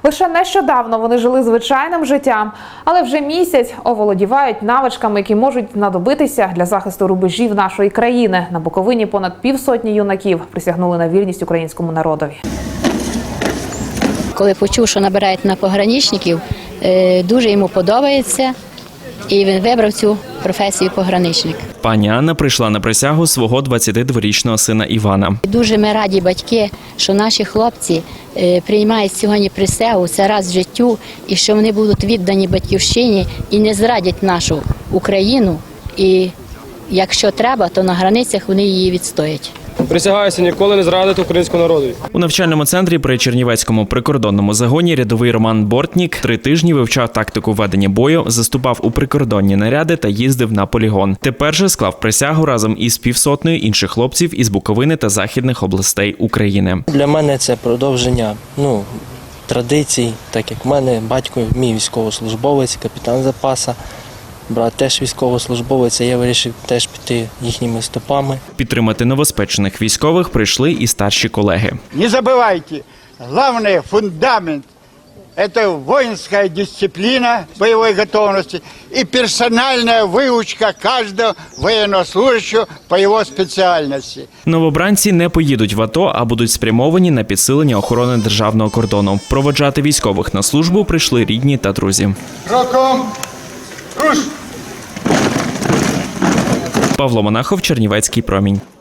Лише нещодавно вони жили звичайним життям, але вже місяць оволодівають навичками, які можуть знадобитися для захисту рубежів нашої країни. На Буковині понад півсотні юнаків присягнули на вірність українському народові. Коли почув, що набирають на пограничників, дуже йому подобається, і він вибрав цю професію пограничник. Пані Анна прийшла на присягу свого 22-річного сина Івана. Дуже ми раді, батьки, що наші хлопці приймають сьогодні присягу, це раз в життю, і що вони будуть віддані батьківщині і не зрадять нашу Україну. І якщо треба, то на границях вони її відстоять. Присягаюся ніколи не зрадити українському народу. У навчальному центрі при Чернівецькому прикордонному загоні рядовий Роман Бортнік 3 тижні вивчав тактику ведення бою, заступав у прикордонні наряди та їздив на полігон. Тепер же склав присягу разом із півсотнею інших хлопців із Буковини та західних областей України. Для мене це продовження традицій, так як в мене батько мій військовослужбовець, капітан запасу. Брат теж військовослужбовець, я вирішив теж піти їхніми стопами. Підтримати новоспечених військових прийшли і старші колеги. Не забувайте, головний фундамент – це воїнська дисципліна бойової готовності і персональна вивчення кожного воєннослужащого по його спеціальності. Новобранці не поїдуть в АТО, а будуть спрямовані на підсилення охорони державного кордону. Проводжати військових на службу прийшли рідні та друзі. Кроком! Руш! Павло Монахов, Чернівецький промінь.